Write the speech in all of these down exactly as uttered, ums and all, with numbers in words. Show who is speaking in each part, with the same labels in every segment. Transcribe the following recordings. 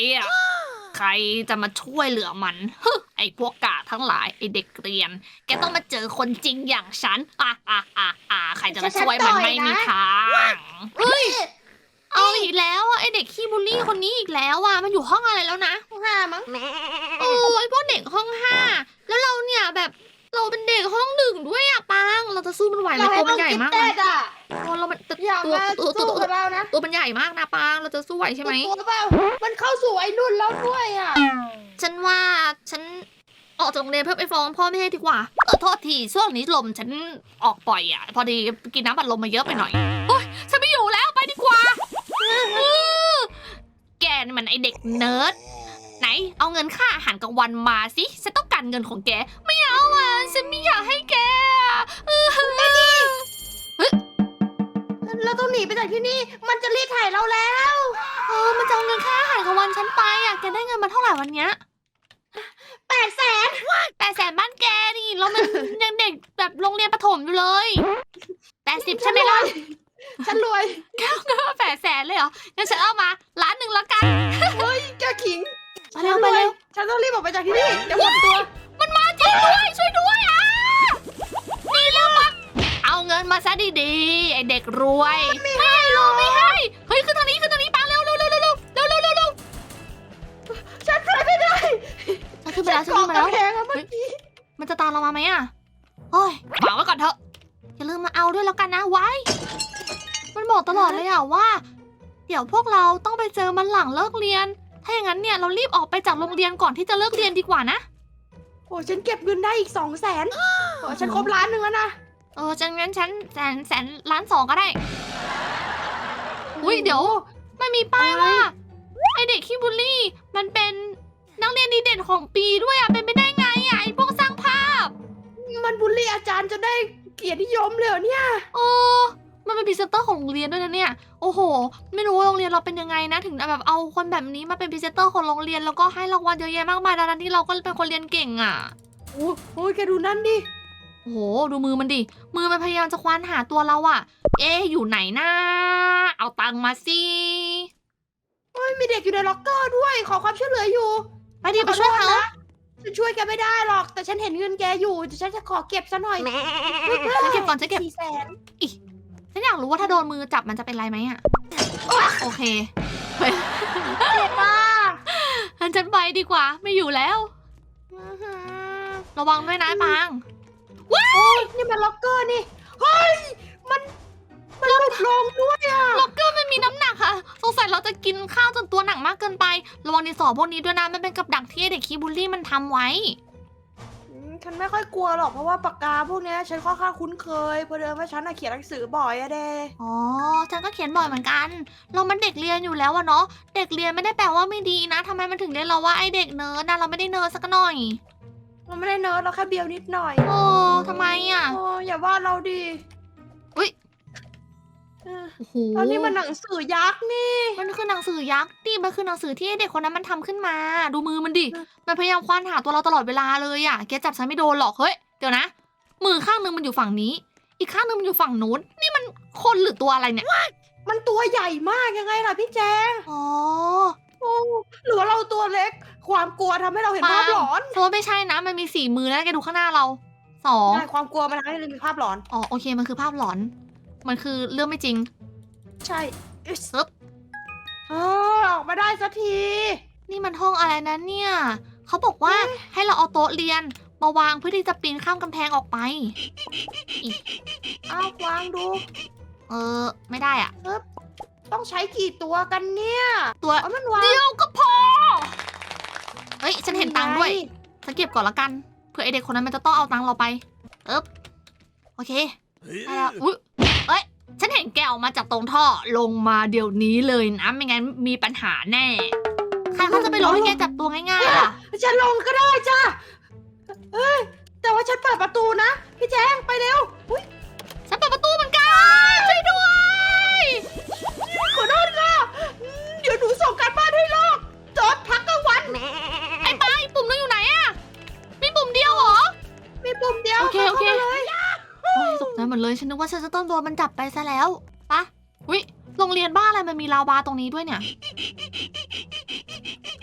Speaker 1: อ่ะ ใครจะมาช่วยเหลือมันฮึไอ้พวกกาทั้งหลายไอ้เด็กเรียน แกต้องมาเจอคนจริงอย่างฉันอ่ะอ่ะอ่ะอ่ะใครจะมาช่วยมันไม่มีทางเฮ้ยเอาอีกแล้วอ่ะไอ้เด็กขี้บูลลี่คนนี้อีกแล้วอ่ะมันอยู่ห้องอะไรแล้วนะ
Speaker 2: ห้องห้ามั้ง
Speaker 1: โอ้ยพวกเด็กห้องห้าแล้วเราเนี่ยแบบเราเป็นเด็กห้องหนึ่งด้วยอะปังเราจะสู้มันไหวไหม
Speaker 2: เรา
Speaker 1: ตั
Speaker 2: ให้
Speaker 1: ว
Speaker 2: ห้
Speaker 1: มั
Speaker 2: อน ง
Speaker 1: ใหญ่
Speaker 2: กิฟ
Speaker 1: มาก
Speaker 2: เต็
Speaker 1: นะ
Speaker 2: ดอ่ะ
Speaker 1: ตัวเรามันตัว
Speaker 2: อยาก
Speaker 1: ตัว
Speaker 2: มา
Speaker 1: ตัวตัว
Speaker 2: สู้
Speaker 1: ตัว
Speaker 2: กับเรานะ
Speaker 1: ตัวมันใหญ่มากนะปังเราจะสู้ไหวใช่ไหม
Speaker 2: ตัวเปล่ามันเข้าสู่ไอ้นุ่นแล้วด้วยอ่ะ
Speaker 1: ฉันว่าฉันออกจากโรงเรียนเพื่อไปฟ้องพ่อแม่ดีกว่าเออโทษทีช่วงนี้ลมฉันออกบ่อยอ่ะพอดีกินน้ำบัดลมมาเยอะไปหน่อยโอ๊ยฉันไม่อยู่แล้วไปดีกว่าอื้อแกนี่มันไอเด็กเนิร์ดไหนเอาเงินค่าอาหารกลางวันมาสิฉันต้องการเงินของแกไม่เอาอ่ะฉันไม่อยากให้แกอ่ะอื้อ
Speaker 2: เราต้องหนีไปจากที่นี่มันจะรีดไถเราแล้ว
Speaker 1: เออมันจะเอาเงินค่าอาหารกลางวันฉันไปอ่ะแกได้เงินมาเท่าไหร่วันเนี้ย
Speaker 2: แปดแสน
Speaker 1: แปดแสนบ้านแกนี่แล้วมัน ยังเด็กแบบโรงเรียนประถมอยู่เลยแปดสิบใช่ไหมล่ะ
Speaker 2: ฉันรวย
Speaker 1: แปดแสนเลยเหรองั้นฉันเอามาล้านหนึ่งแล้วกัน
Speaker 2: เฮ้ยแกขิง
Speaker 1: ไปเร็วไปเร็ว
Speaker 2: ฉันต้องรีบออกไปจากที่นี่เดี๋ยวหมดตัว
Speaker 1: มันมาจริงด้วยช่วยด้วยอ่ะนี่เร็วปักเอาเงินมาซะดีๆไอเด็กรวยไม่ให้หรอกไม่ให้เฮ้ยขึ้นทางนี้ขึ้นทางนี้ปังเร็วเร็วเร็วเร็วเร็วเร็วเร็วเร็วเร็ว
Speaker 2: ฉันไปไม่ได้
Speaker 1: ฉันขึ้นไปแล้วฉันขึ้นมาแล้ว
Speaker 2: แพงอะเมื่อกี้
Speaker 1: มันจะตามเรามาไหมอ่ะเฮ้ยฝากไว้ก่อนเถอะอย่าลืมมาเอาด้วยแล้วกันนะไว้ มันบอกตลอดเลยอ่ะว่า เดี๋ยวพวกเราต้องไปเจอมันหลังเลิกเรียน ถ้าอย่างนั้นเนี่ยเรารีบออกไปจากโรงเรียนก่อนที่จะเลิกเรียนดีกว่านะ
Speaker 2: โอ้ฉันเก็บเงินได้อีกสองแสนโอ้ฉันครบล้านหนึ่งแล้วนะ
Speaker 1: เออจังงั้นฉันแสนแสนล้านสองก็ได้ อุ้ยเดี๋ยวมันมีป้ายว่าไอเด็กขี้บูลลี่ มันเป็นนักเรียนดีเด่นของปีด้วยอ่ะเป็นไปได้ไงอ่ะไอพวกสร้างภาพ
Speaker 2: มันบูลลี่อาจารย์จนได้เกียรตินิยมเลยเหรอเนี่ย
Speaker 1: โอ้มันเป็นพรีเซนเตอร์ของโรงเรียนด้วยนะเนี่ย โอ้โห ไม่รู้ว่าโรงเรียนเราเป็นยังไงนะ ถึงแบบเอาคนแบบนี้มาเป็นพรีเซนเตอร์ของโรงเรียนแล้วก็ให้รางวัลเยอะแยะมากมายดังนั้นที่เราก็เป็นคนเรียนเก่งอ่ะ
Speaker 2: โอ้โหแกดูนั่นดิ
Speaker 1: โอ้โห ดูมือมันดิ มือมันพยายามจะควานหาตัวเราอะเอ๊ะอยู่ไหนนะ เอาตังค์มาสิ
Speaker 2: เฮ้ยมีเด็กอยู่ในล็อกเกอร์ด้วย ขอความช่วยเหลืออยู่
Speaker 1: ไปดิไปช่วยเขา
Speaker 2: ขอโทษนะฉันช่วยแกไม่ได้หรอก แต่ฉันเห็นเงินแกอยู่เดี๋ยวฉันจะขอเก็บซะหน่อย
Speaker 1: ฉันเก็บก่อนฉันเก็บ
Speaker 2: สี่แสน
Speaker 1: ฉันอยากรู้ว่าถ้าโดนมือจับมันจะเป็นไรไหมอะโอเค
Speaker 2: เจ็บมาก
Speaker 1: งั้นฉันไปดีกว่า ไม่อยู่แล้ว ระวังด้วยนะปัง
Speaker 2: โอ้ยนี่มันล็อกเกอร์นี่ เฮ้ย มัน มันหลุดลงด้วยอ่ะ
Speaker 1: ล็อกเกอร์มันมีน้ำหนักค่ะ สงสัยเราจะกินข้าวจนตัวหนักมากเกินไป ระวังดินสอพวกนี้ด้วยนะ มันเป็นกับดักที่ไอ้เด็กคีบูลลี่มันทำไว้
Speaker 2: อืมฉันไม่ค่อยกลัวหรอกเพราะว่าปากกาพวกเนี้ยฉันค่อนข้างคุ้นเคยเพราะเดิมว่าฉันน่ะเขียนหนังสือบ่อยอะเด้
Speaker 1: อ๋อ ฉันก็เขียนบ่อยเหมือนกัน เรามันเด็กเรียนอยู่แล้วอะเนาะ เด็กเรียนไม่ได้แปลว่าไม่ดีนะทำไมมันถึงเรียกเราว่าไอเด็กเนิร์ดนะเราไม่ได้เนิร์ดสักหน่อย
Speaker 2: เราไม่ได้เนิร์ดเราแค่เบียวนิดหน่อย
Speaker 1: โอ้ทำไมอะ
Speaker 2: โอ้อย่าว่าเราดิ
Speaker 1: อุ๊ย
Speaker 2: เออ
Speaker 1: โอ้โห
Speaker 2: แล้วนี่มันหนังสือยักษ์นี่
Speaker 1: มันคือหนังสือยักษ์ดิมันคือหนังสือที่ไอ้เด็กคนนั้นมันทำขึ้นมา ดูมือมันดิ มันพยายามควานหาตัวเราตลอดเวลาเลยอะแกจับฉันไม่โดนหรอก เฮ้ย เดี๋ยวนะ มือข้างหนึงมันอยู่ฝั่งนี้ อีกข้างหนึงมันอยู่ฝั่งนู้น นี่มันคนหรือตัวอะไรเนี่ย
Speaker 2: มันตัวใหญ่มากยังไงล่ะพี่แจง
Speaker 1: อ๋อ
Speaker 2: โอ้หรือว่าเราตัวเล็ก ความกลัวทำให้เราเห็นภาพหลอน
Speaker 1: เพราะว่าไม่ใช่นะ มันมีสี่มือนะแกดูข้างหน้าเราสอง
Speaker 2: ใช่ความกลัวมันทำให้เรามีภาพหลอน
Speaker 1: อ๋อโอเคมันคือภาพหลอน มันคือเรื่องไม่จริง
Speaker 2: ใช่อึ๊ส
Speaker 1: ปึ๊บ
Speaker 2: เออออกมาได้สักที
Speaker 1: นี่มันห้องอะไรนะเนี่ย เขาบอกว่าให้เราเอาโต๊ะเรียนมาวางเพื่อที่จะปีนข้ามกำแพงออกไป
Speaker 2: อ้าววางดู
Speaker 1: เออ ไม่ได้อะ
Speaker 2: ต้องใช้กี่ตัวกันเนี่ย
Speaker 1: ตัว
Speaker 2: เอามันวาง
Speaker 1: เดียวก็พอ เฮ้ย ฉันเห็นตังค์ด้วย ฉันเก็บก่อนละกัน เผื่อไอเด็กคนนั้นมันจะต้องเอาตังค์เราไปเอ๊บโอเคได้แล้วอุ๊ยเอ้ย ฉันเห็นแกออกมาจากตรงท่อ ลงมาเดี๋ยวนี้เลยนะ ไม่งั้นมีปัญหาแน่ ใครเขาจะไปลงให้แกจับตัวง่ายๆล่ะ
Speaker 2: ฉันลงก็ได้จ้ะเอ้ยแต่ว่าฉันเปิดประตูนะ พี่แจงไปเร็วอุ๊ย
Speaker 1: ฉันเปิดประตูเหมือนกัน ช่วยด้วย
Speaker 2: ขอโทษค่ะอืมเดี๋ยวหนูส่งการบ้านให้ลอกจดพักกลางวัน
Speaker 1: ไอ้ไปปุ่มนั้นอยู่ไหนอะมีปุ่มเดียวเหรอ
Speaker 2: มีปุ่มเดียว
Speaker 1: โอเคโอเค
Speaker 2: ข้ามาเลย
Speaker 1: โอ้ยตกใจหมดเลย ฉันนึกว่าฉันจะต้องโดนมันจับไปซะแล้วปะวิโรงเรียนบ้านอะไรมันมีลาวาตรงนี้ด้วยเนี่ย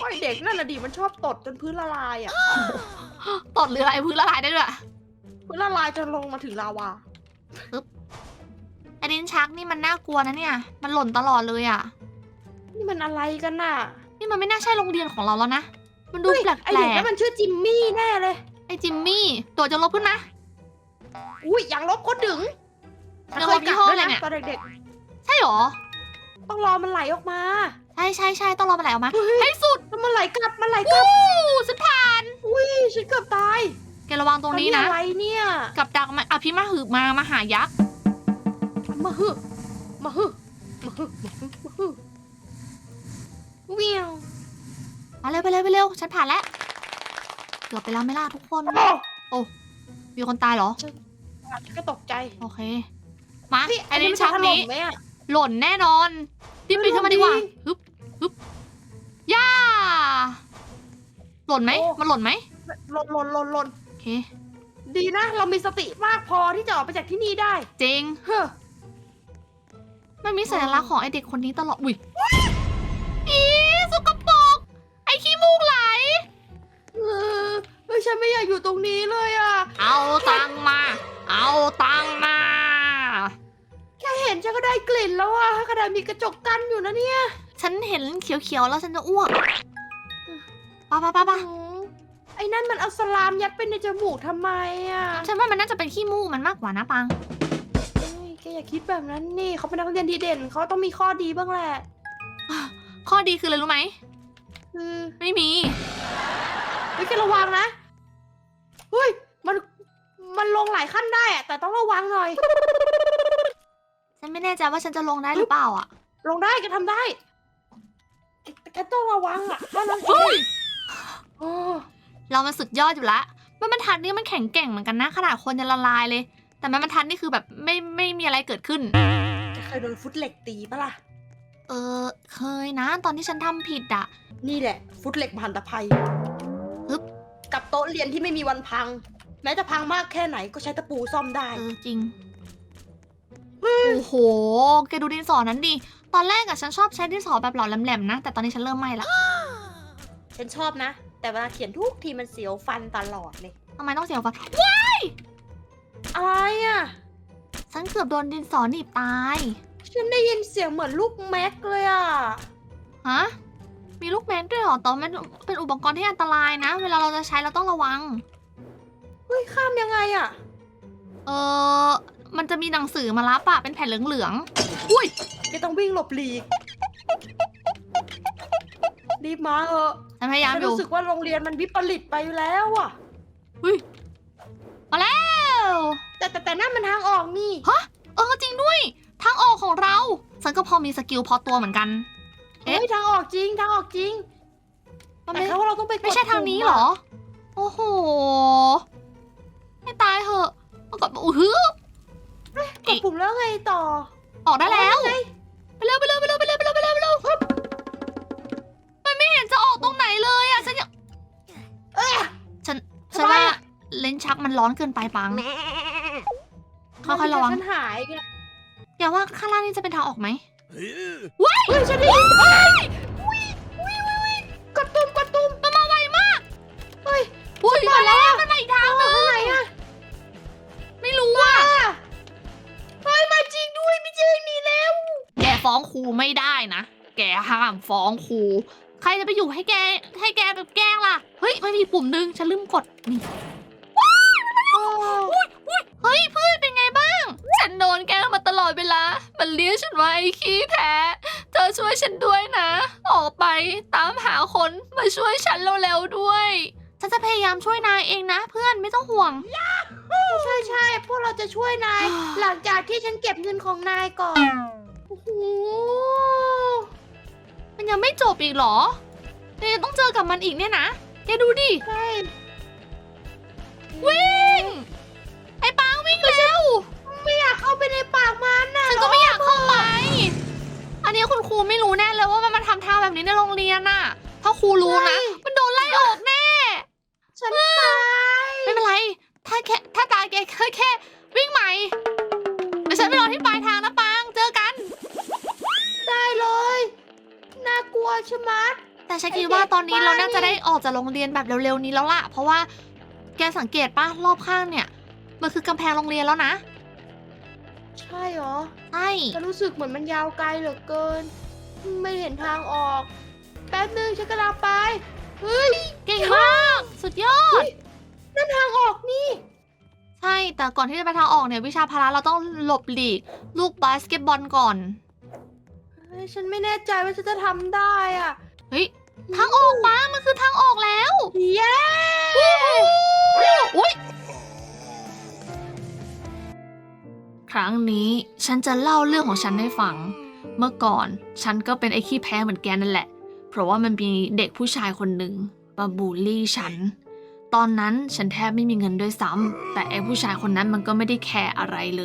Speaker 2: ไอเด็กนั่นน่ะดิมันชอบตดจนพื้นละลายอ่ะ
Speaker 1: ตดหรืออะไรพื้นละลายได้ด้วย
Speaker 2: พื้นละลายจนลงมาถึงลาวา
Speaker 1: ไอ้ลิ้นชักนี่มันน่ากลัวนะเนี่ย มันหล่นตลอดเลยอ่ะ
Speaker 2: นี่มันอะไรกันน่ะ
Speaker 1: นี่มันไม่น่าใช่โรงเรียนของเราแล้วนะ มันดู
Speaker 2: เฮ้ย
Speaker 1: แปลก
Speaker 2: ไอเด็กนั่นมันชื่อจิมมี่แน่เลย
Speaker 1: ๆไอ้จิมมี่ ตัวจะลบขึ้นนะ
Speaker 2: อุ้ยอย่างลบก็ดึง
Speaker 1: เดี๋ยวเรายี่ห้ออะไรเนี่ย
Speaker 2: ตอนเด็ก
Speaker 1: ใช่หรอ
Speaker 2: ๆต้องรอมันไหลออกมา
Speaker 1: ใช่ใช่ใช่ต้องรอมันไหลออกมา
Speaker 2: เฮ้ย
Speaker 1: ให้สุด
Speaker 2: แล้วมันไหลกลับมันไหลกลับ
Speaker 1: อู้สุดผ่าน
Speaker 2: อุ้ยฉันเกือบตาย
Speaker 1: แกระวังตรงนี้นะ
Speaker 2: อะไรเนี่ย
Speaker 1: กับดักมันอภิมหึมามาหายักษ์
Speaker 2: มาฮึมาฮึมาฮึมาฮึมาฮึเวียว
Speaker 1: มาเร็วไปเร็วไปเร็ว ฉันผ่านแล้ว เกือบไปแล้วไม่ล่ะทุกคน
Speaker 2: โอ้
Speaker 1: มีคนตายเหรอ
Speaker 2: ฉันก็ตกใจ
Speaker 1: โอเค มา
Speaker 2: พี่
Speaker 1: ไอ้ลิ้นชัก
Speaker 2: มัจะถล่
Speaker 1: นี้
Speaker 2: มไหมอะ
Speaker 1: หล่นแน่นอนรีบปีนขึ้นมาดีกว่า
Speaker 2: หล่นดิ
Speaker 1: ฮึบฮึบย่า หล่นไหม มันหล่นไหม
Speaker 2: หล่นหล่นหล่นหล่น
Speaker 1: โอเค
Speaker 2: ดีนะ เรามีสติมากพอที่จะออกไปจากที่นี่ได้
Speaker 1: จริง
Speaker 2: เฮ้อ
Speaker 1: มันมีสัญลักษณ์ของไอเด็กคนนี้ตลอด อุ้ยอีสกปรก ไอขี้มูกไหล
Speaker 2: เออเฮ้ยฉันไม่อยากอยู่ตรงนี้เลยอ่ะ
Speaker 1: เอาตังค์มา เอาตังค์มา
Speaker 2: แค่เห็นฉันก็ได้กลิ่นแล้วอ่ะขนาดมีกระจกกั้นอยู่นะเนี่ย
Speaker 1: ฉันเห็นเขียวๆแล้วฉันจะอ้วกปะปะปะปะ
Speaker 2: อืมไอ้นั่นมันเอาสลามยัดไปในจมูกทำไมอ่ะ
Speaker 1: ฉันว่ามันน่าจะเป็นขี้มูกมันมากกว่านะปัง
Speaker 2: เฮ้ยแกอย่าคิดแบบนั้นนี่เขาเป็นนักเรียนดีเด่นเขาต้องมีข้อดีบ้างแหละ
Speaker 1: ข้อดีคืออะไรรู้ไหม
Speaker 2: คือ
Speaker 1: ไม่มี
Speaker 2: เฮ้ยแกระวังนะเฮ้ยมันมันลงหลายขั้นได้อะแต่ต้องระวังหน่อย
Speaker 1: ฉันไม่แน่ใจว่าฉันจะลงได้หรือเปล่าอ่ะ
Speaker 2: ลงได้แกทำได้แต่แกต้องระวังอ่ะถ้าน้อง
Speaker 1: เฮ้ย
Speaker 2: โอ้
Speaker 1: เรามันสุดยอดอยู่ละมันบรรทัดนี่มันแข็งแกร่งเหมือนกันนะขนาดคนจะละลายเลย แต่มันบรรทัดนี่คือแบบไม่ไม่มีอะไรเกิดขึ้น
Speaker 2: แกเคยโดนฟุตเหล็กตีปะล่ะ
Speaker 1: เออเคยนะ ตอนที่ฉันทำผิดอ่ะ
Speaker 2: นี่แหละ ฟุตเหล็กมหันตภัย
Speaker 1: ฮึบ
Speaker 2: กับโต๊ะเรียนที่ไม่มีวันพัง แม้จะพังมากแค่ไหนก็ใช้ตะปูซ่อมได้
Speaker 1: เออจริง โอ้โห แกดูดินสอนั้นดิ ตอนแรกอะฉันชอบใช้ดินสอแบบหลอแหลมๆนะ แต่ตอนนี้ฉันเริ่มไม่ละ
Speaker 2: ฉันชอบนะ แต่เวลาเขียนทุกทีมันเสียวฟันตลอดเลย
Speaker 1: ทำไมต้องเสียวฟัน
Speaker 2: อะไรอ่ะ
Speaker 1: ฉันเกือบโดนดินสอหนีบตาย
Speaker 2: ฉันได้ยินเสียงเหมือนลูกแม็กเลยอ่ะ
Speaker 1: ฮะ มีลูกแมนด้วยเหรอแต่ว่ามันเป็นอุปกรณ์ที่อันตรายนะ เวลาเราจะใช้เราต้องระวัง
Speaker 2: เฮ้ย ข้ามยังไงอ่ะ
Speaker 1: เออ มันจะมีหนังสือมารับอะเป็นแผ่นเหลืองๆ อุ้ย
Speaker 2: แกต้องวิ่งหลบหลีก รีบมาเถอะ
Speaker 1: ฉันพยายาม
Speaker 2: ฉัน
Speaker 1: อยู่
Speaker 2: รู้สึกว่าโรงเรียนมันวิปริตไปแล้วอ่ะ
Speaker 1: อุ้ย มาแล้ว
Speaker 2: แต่แต่แต่นั่นมันทางออกนี่
Speaker 1: เออจริงด้วย ทางออกของเรา ฉันก็พอมีสกิลพอตัวเหมือนกัน เอ๊ะ
Speaker 2: เฮ้ยทางออกจริงทางออกจริง
Speaker 1: มัน
Speaker 2: แต่
Speaker 1: ไม่
Speaker 2: แค่ว่าเราต้องไปกด
Speaker 1: ไม่ใช่ทางนี้
Speaker 2: ปุ่มะ
Speaker 1: เหรอ โอ้โห ให้ตายเหอะมันกดอู้ฮึบ
Speaker 2: กดปุ่มแล้วไงต่อ
Speaker 1: ออกได้แล้ว
Speaker 2: อ๋อไง
Speaker 1: ไปเร็วไปเร็วไปเร็วไปเร็วไปเร็วไปเร็วไปเร็วฮึบมันไม่เห็นจะออกตรงไหนเลยอ่ะ ฉันยัง
Speaker 2: เอ้ย
Speaker 1: ฉัน
Speaker 2: ทำไม
Speaker 1: ฉันว่า
Speaker 2: อะ
Speaker 1: เลนส์ชักมันร้อนเกินไปปัง ค่อยๆระวัง
Speaker 2: ฉันหายไง
Speaker 1: อย่าว่าข้างล่างนี่จะเป็นทางออกไหม
Speaker 2: เฮ้ยฉันได้ยินเฮ้ยวิววิววิวกดปุ่มกดปุ่ม
Speaker 1: มันมาไวมาก
Speaker 2: เฮ้ย
Speaker 1: อุ้ยมาแล้วมันมาอีกทางหนึง
Speaker 2: ทางไหนอะ
Speaker 1: ไม่รู้ว่า
Speaker 2: อ่ะเฮ้ยมาจริงด้วยไม่ใช่หนีแล้ว
Speaker 1: แกฟ้องครูไม่ได้นะ แกห้ามฟ้องครู ใครจะไปอยู่ให้แก ให้แกแบบแกล้งล่ะ เฮ้ย มันมีปุ่มหนึง ฉันลืมกด นี่
Speaker 2: โอ้
Speaker 1: เฮ้ยเพื่อนเป็นไงบ้าง ฉันโดนแกล้งมาตลอดเวลา มันเรียกฉันว่าไอ้ขี้แพ้ เธอช่วยฉันด้วยนะ ออกไปตามหาคนมาช่วยฉันเร็วๆด้วย ฉันจะพยายามช่วยนายเองนะ เพื่อนไม่ต้องห่วง
Speaker 2: ใช่ใช่พวกเราจะช่วยนาย หลังจากที่ฉันเก็บเงินของนายก่อน โอ้โห
Speaker 1: มันยังไม่จบอีกเหรอเรายังต้องเจอกับมันอีกเนี่ยนะ แกดูดิ
Speaker 2: ใช่
Speaker 1: วิ่ง ไอ้ปังวิ่งเร็ว
Speaker 2: ไม่อยากเข้าไปในปากมันน่ะ
Speaker 1: ฉันก็ไม่อยากเข้าไป อันนี้คุณครูไม่รู้แน่เลยว่ามันมาทำท่าแบบนี้ในโรงเรียนน่ะ ถ้าครูรู้นะ มันโดนไล่ออกแน่
Speaker 2: ฉันตาย
Speaker 1: ไม่เป็นไร ถ้าแค่ถ้าตายแกแค่แค่วิ่งใหม่เดี๋ยวฉันไปรอที่ปลายทางนะปัง เจอกัน
Speaker 2: ได้เลย น่ากลัวชะมัด
Speaker 1: แต่แต่ฉันคิดว่าตอนนี้เราน่าจะได้ออกจากโรงเรียนแบบเร็วๆนี้แล้วล่ะ เพราะว่าแกสังเกตปะรอบข้างเนี่ย มันคือกำแพงโรงเรียนแล้วนะ
Speaker 2: ใช่เหรอ
Speaker 1: ใช่
Speaker 2: ฉันรู้สึกเหมือนมันยาวไกลเหลือเกิน ไม่เห็นทางออก แป๊บนึงฉันกำลังไป เฮ้ย
Speaker 1: เก่งมาก สุดยอด
Speaker 2: นั่นทางออกนี่
Speaker 1: ใช่ แต่ก่อนที่จะไปทางออกเนี่ยวิชาพละเราต้องหลบหลีกลูกบาสเกตบอลก่อน
Speaker 2: เฮ้ยฉันไม่แน่ใจว่าฉันจะทำได้อ่ะ
Speaker 1: เฮ้ย ทางออกมามันคือทางออกแล้ว
Speaker 2: เย้
Speaker 1: อุ๊ยครั้งนี้ฉันจะเล่าเรื่องของฉันให้ฟัง เมื่อก่อนฉันก็เป็นไอ้ขี้แพ้เหมือนแกนั่นแหละ เพราะว่ามันมีเด็กผู้ชายคนหนึ่งมาบูลลี่ฉัน ตอนนั้นฉันแทบไม่มีเงินด้วยซ้ำ แต่ไอ้ผู้ชายคนนั้นมันก็ไม่ได้แคร์อะไรเลย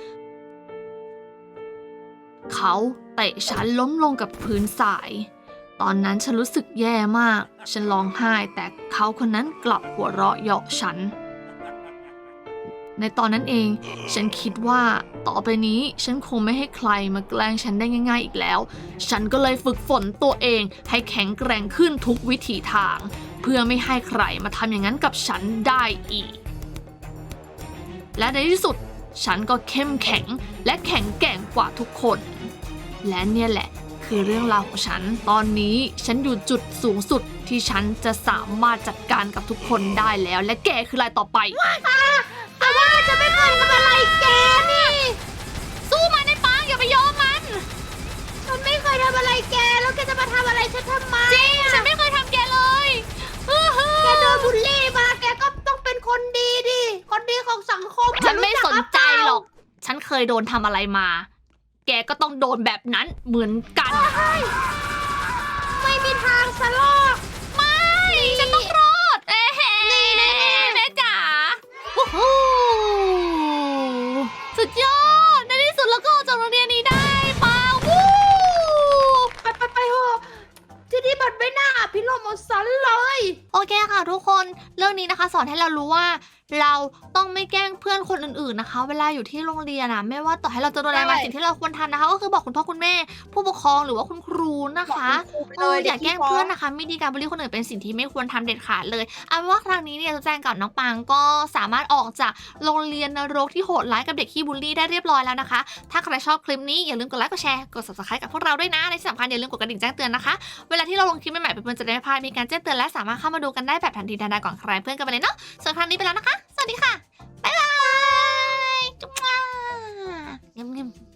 Speaker 1: เขาเตะฉันล้มลงกับพื้นทราย ตอนนั้นฉันรู้สึกแย่มาก ฉันร้องไห้แต่เขาคนนั้นกลับหัวเราะเยาะฉัน ในตอนนั้นเองฉันคิดว่าต่อไปนี้ฉันคงไม่ให้ใครมาแกล้งฉันได้ง่ายๆอีกแล้ว ฉันก็เลยฝึกฝนตัวเองให้แข็งแกร่งขึ้นทุกวิถีทาง เพื่อไม่ให้ใครมาทำอย่างนั้นกับฉันได้อีก และในที่สุดฉันก็เข้มแข็งและแข็งแกร่งกว่าทุกคน และเนี่ยแหละคือเรื่องราวของฉัน ตอนนี้ฉันอยู่จุดสูงสุดที่ฉันจะสามารถจัดการกับทุกคนได้แล้ว และแกคืออะไรต่อไป
Speaker 2: แต่ว่าจะไม่เคยทำอะไรแกนี่
Speaker 1: สู้มันในปังอย่าไปยอมมัน
Speaker 2: ฉันไม่เคยทำอะไรแก แล้วแกจะมาทำอะไรฉันทำไม
Speaker 1: จริงฉันไม่เคยทำแกเลยอื้อหือ
Speaker 2: แกโดนบูลลี่มา แกก็ต้องเป็นคนดีดิ คนดีของสังคม
Speaker 1: ฉันไม่สนใจหรอก
Speaker 2: เ
Speaker 1: ฉันเคยโดนทำอะไรมา แกก็ต้องโดนแบบนั้นเหมือนกัน
Speaker 2: ไม่มีทางสลอก
Speaker 1: ไม่ฉันต้องรอด เอ้เฮ้แม่จ๋าโอ้โหสุดยอด ในที่สุดเราก็ออกจากโรงเรียนนี้ได้ปังวู้
Speaker 2: ไปไปไปเถอะที่นี่มันไม่น่าอภิรมย์เอาสันเลย
Speaker 1: โอเคค่ะทุกคนเรื่องนี้นะคะสอนให้เรารู้ว่า เราต้องไม่แกล้งเพื่อนคนอื่นๆนะคะ เวลาอยู่ที่โรงเรียนนะไม่ว่าต่อให้เราจะโดนอะไรมา
Speaker 2: ใช่
Speaker 1: สิ่งที่เราควรทำนะคะ ก็คือบอกคุณพ่อคุณแม่ ผู้ปกครองหรือว่าคุณครูนะคะ
Speaker 2: บอกคุณครูไป
Speaker 1: เอ
Speaker 2: เล
Speaker 1: อย อย่าแกล้งเพื่อนนะคะไม่ดีการบูลลี่คนอื่นเป็นสิ่งที่ไม่ควรทำเด็ดขาดเลยเอาเป็นว่าครั้งนี้เนี่ยจะแจ้งกับน้องปังก็สามารถออกจากโรงเรียนนรกที่โหดร้ายกับเด็กขี้บูลลี่ได้เรียบร้อยแล้วนะคะ ถ้าใครชอบคลิปนี้อย่าลืมกดไลค์กดแชร์กด ซับสไครบ์ กับพวกเราด้วยนะและที่สำคัญอย่าลืมกดกระดิ่งแจ้งเตือนนะคะเวลาที่เราลงคลิปใหม่ๆเพื่อนๆจะได้ไม่พลาดมีการแจ้งเตือนและสามารถเข้ามาดูกันได้แบบทันทีทันใดก่อนใครเพื่อนกันไปเลยเนาะส่วนครั้งนี้ไปแล้วนะคะสวัสดีค่ะบ๊ายบายจุ๊บเงี้ย